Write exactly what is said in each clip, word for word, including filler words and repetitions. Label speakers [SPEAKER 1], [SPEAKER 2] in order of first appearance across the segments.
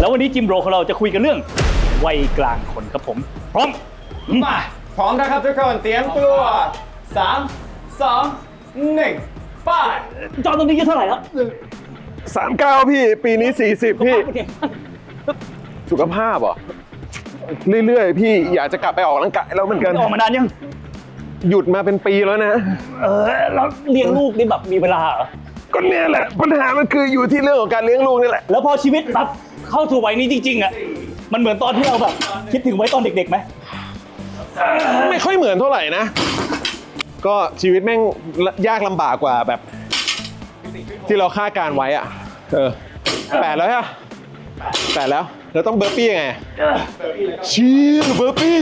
[SPEAKER 1] แล้ววันนี้จิมโรของเราจะคุยกันเรื่องวัยกลางคนครับผมพร้อม
[SPEAKER 2] มาพร้อมนะครับทุกคนเตรียมตัวสามสองหนึ่งไป
[SPEAKER 1] จอตอนนี้อายุเท่าไหร่แล้ว
[SPEAKER 3] สามเก้าพี่ปีนี้สี่สิบพี่สุขภาพเหรอเรื่อยๆพี่อยากจะกลับไปออกกำลังกายแล้วเหมือนกัน
[SPEAKER 1] ออกมานานยัง
[SPEAKER 3] หยุดมาเป็นปีแล้วนะ
[SPEAKER 1] เออแล้วเลี้ยงลูกนี่แบบมีเวลาเหรอ
[SPEAKER 3] ก็เนี่ยแหละปัญหามันคืออยู่ที่เรื่องของการเลี้ยงลูกนี่แหละ
[SPEAKER 1] แล้วพอชีวิตแบบเข้าสู่วัยนี้จริงๆอ่ะมันเหมือนตอนที่เราแบบคิดถึงไว้ตอนเด็กๆไหม
[SPEAKER 3] ไม่ค่อยเหมือนเท่าไหร่นะก็ชีวิตแม่งยากลำบากกว่าแบบที่เราคาดการไว้อ่ะเออแปดแล้วฮะแปดแล้วแล้วต้องเบอร์ปี้ยังไงเชี่ยเบอร์ปี้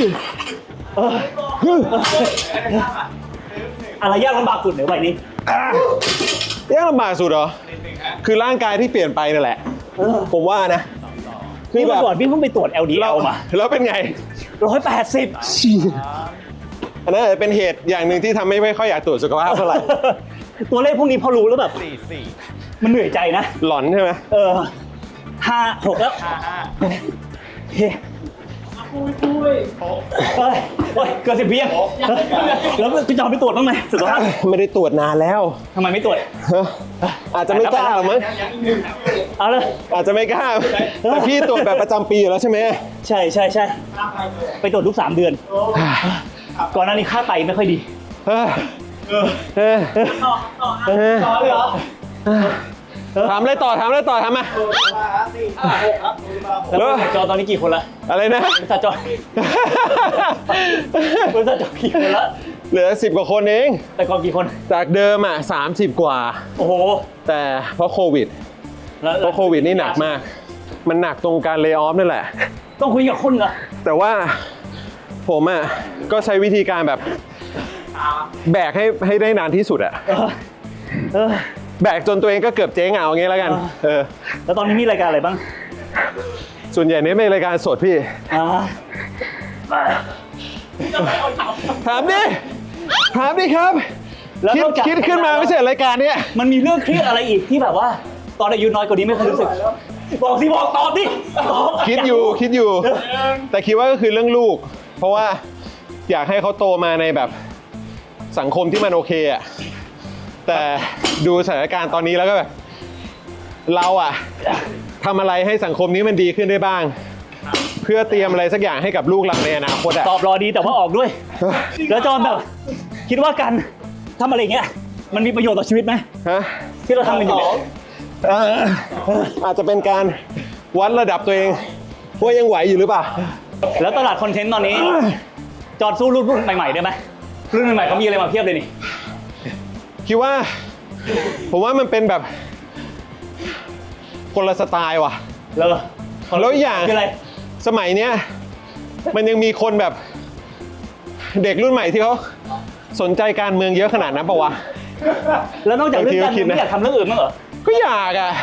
[SPEAKER 1] อะไรยากลำบากสุดในวัยนี้
[SPEAKER 3] ยากลำบากสุดเหรอคือร่างกายที่เปลี่ยนไปนั่นแหละผมว่านะ
[SPEAKER 1] คือแบบก่อนพี่เพิ่งไปตรวจ แอล ดี แอล มา
[SPEAKER 3] แล้วเป็นไง
[SPEAKER 1] ร้อยแปดสิบ
[SPEAKER 3] อันนั้นอาจจะเป็นเหตุอย่างหนึ่งที่ทำให้ไม่ค่อยอยากตรวจสุขภาพเท่าไหร่
[SPEAKER 1] ตัวเลขพวกนี้พอรู้แล้วแบบมันเหนื่อยใจนะ
[SPEAKER 3] หลอนใช่ไหม
[SPEAKER 1] เออห้าหกแล้วเฮ้ยปุ้ยปุ้ยเฮ้ยเฮ้ยเกินสิบปียังแล้วคุณจอมไปตรวจบ้างไหมสุขภาพ
[SPEAKER 3] ไม่ได้ตรวจนานแล้ว
[SPEAKER 1] ทำไมไม่ตรวจ
[SPEAKER 3] อาจจะไม่กล้าหรอมั้ง
[SPEAKER 1] เอาเลย
[SPEAKER 3] อาจจะไม่กล้าแต่พี่ตรวจแบบประจำปีอยู่แล้วใช่ไหม
[SPEAKER 1] ใช่ใช่ใช่ไปตรวจทุกสามเดือนก่อนหน้านี้ค่าไตไม่ค่อยดี
[SPEAKER 3] เออเออ
[SPEAKER 1] ต่อเลยเหรอ
[SPEAKER 3] ถามอะไรต่อถามอะไรต่อทำมา
[SPEAKER 1] แล้วจอตอนนี้กี่คนละ
[SPEAKER 3] อะไรนะ
[SPEAKER 1] บริษัทจอ บริษัทจอกี่คนละ
[SPEAKER 3] เหลือสิบกว่าคนเอง
[SPEAKER 1] แต่ก่อนกี่คน
[SPEAKER 3] จากเดิมอ่ะสามสิบกว่า
[SPEAKER 1] โอ้โห
[SPEAKER 3] แต่เพราะโควิดเพราะโควิดนี่หนักมากมันหนักตรงการเลย์ออฟนั่นแหละ
[SPEAKER 1] ต้องคุยกับคนเหรอ
[SPEAKER 3] แต่ว่าผมอ่ะก็ใช้วิธีการแบบแบกให้ให้ได้นานที่สุดอ่ะแบกจนตัวเองก็เกือบเจ๊งเอาอย่างงี้แล้วกันเออ
[SPEAKER 1] แล้วตอนนี้มีรายการอะไรบ้าง
[SPEAKER 3] ส่วนใหญ่เนี่ยเป็นรายการสดพี่ถามดิถามดิครับคิดคิดขึ้นมาไม่ใช่รายการเนี้ย
[SPEAKER 1] มันมีเรื่องเครียดอะไรอีกที่แบบว่าตอนอายุน้อยกว่านี้ไม่เคยรู้สึกบอกสิบอกตอบดิ
[SPEAKER 3] คิดอยู่คิดอยู่แต่คิดว่าก็คือเรื่องลูกเพราะว่าอยากให้เขาโตมาในแบบสังคมที่มันโอเคอ่ะแต่ดูสถานการณ์ตอนนี้แล้วก็แบบเราอะทำอะไรให้สังคมนี้มันดีขึ้นได้บ้างเพื่อเตรียมอะไรสักอย่างให้กับลูกเราในอนาคตอะ
[SPEAKER 1] ตอบรอดีแต่ว่าออกด้วยแล้วจอนแบบคิดว่าการทำอะไรเงี้ยมันมีประโยชน์ต่อชีวิตไหม
[SPEAKER 3] ฮะ
[SPEAKER 1] ที่เราทำกันอยู่เนี่ย
[SPEAKER 3] อาจจะเป็นการวัดระดับตัวเองว่ายังไหวอยู่หรือเปล่า
[SPEAKER 1] แล้วตลาดคอนเทนต์ตอนนี้จอนสู้รุ่นรุ่นใหม่ๆได้ไหมรุ่นใหม่ๆเขามีอะไรมาเพียบเลยนี่
[SPEAKER 3] คิดว่าผมว่ามันเป็นแบบคนละสไตล์ว่ะ
[SPEAKER 1] แล้ว
[SPEAKER 3] แล้วอย่าง
[SPEAKER 1] คืออะไร
[SPEAKER 3] สมัยเนี้ยมันยังมีคนแบบเด็กรุ่นใหม่ที่เขาสนใจการเมืองเยอะขนาดนั้นปะวะ
[SPEAKER 1] แล้วนอกจากเรื่องการเมืองอยากทำเรื่องอื่นบ้างเหรอ
[SPEAKER 3] ก็อยากอ่ะ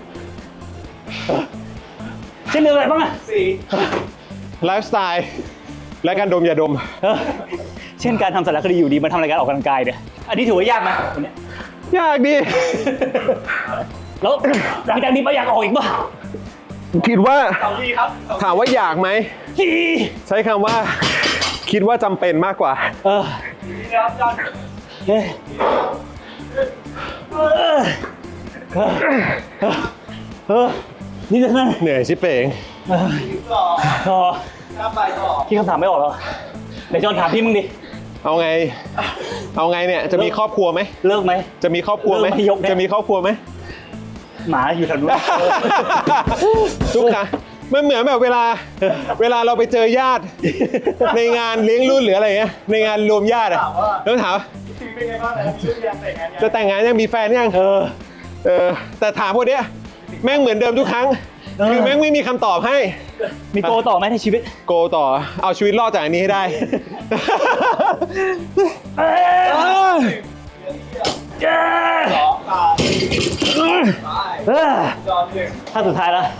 [SPEAKER 1] เช่นเรื่องอะไรบ้างอ่ะ
[SPEAKER 3] ไลฟ์สไตล์และการดมยาดม
[SPEAKER 1] เช่นการทำสารคดีอยู่ดีมาทำรายการออกกำลังกายเนี่ยอันนี้ถือว่ายากไหมวันนี้
[SPEAKER 3] ยากดิ
[SPEAKER 1] แล้วหลังจากนี้ไปอยากออกอีกป่ะ
[SPEAKER 3] คิดว่าถามว่าอยากไหมใช้คำว่าคิดว่าจำเป็นมากกว่าเออเฮ้ยเออนี่จะนั่นเหนื่อยชิบเป๋ง
[SPEAKER 1] พอพี่คำถามไม่ออกแล้วเดี๋ยวจอนถามพี่มึงดิ
[SPEAKER 3] เอาไงเอาไงเนี่ยจะมีครอบครัวไหม
[SPEAKER 1] เลิกไหม
[SPEAKER 3] จะมีครอบครัวไหมจะมีครอบครัวไหม
[SPEAKER 1] หมาอยู่แถวนู้น
[SPEAKER 3] ทุกครั้งมันเหมือนแบบเวลาเวลาเราไปเจอญาติในงานเลี้ยงรุ่นหรืออะไรเงี้ยในงานรวมญาติอะแล้วถามจะแต่งงานยังมีแฟนยังเออเออแต่ถามพวกเนี้ยแม่งเหมือนเดิมทุกครั้งคือแม่งไม่มีคำตอบให้
[SPEAKER 1] มีโกต่อไหมในชีวิต
[SPEAKER 3] โกต่อเอาชีวิตรอดจากอันนี้ให้ได้
[SPEAKER 1] ถ้าสุดท้ายแล้ว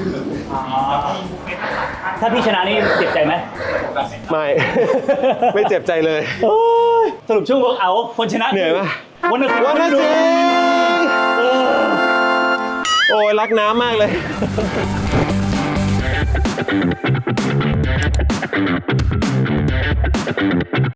[SPEAKER 1] ถ้าพี่ชนะนี่เจ็บใจไหม
[SPEAKER 3] ไม่ไม่เจ็บใจเลย
[SPEAKER 1] สรุปช่วงเวิร์กเอาคนชนะ
[SPEAKER 3] เหนื่อยไหม
[SPEAKER 1] วันนั้น
[SPEAKER 3] วันนั้นจริงโอ้ยรักน้ำมากเลย Thank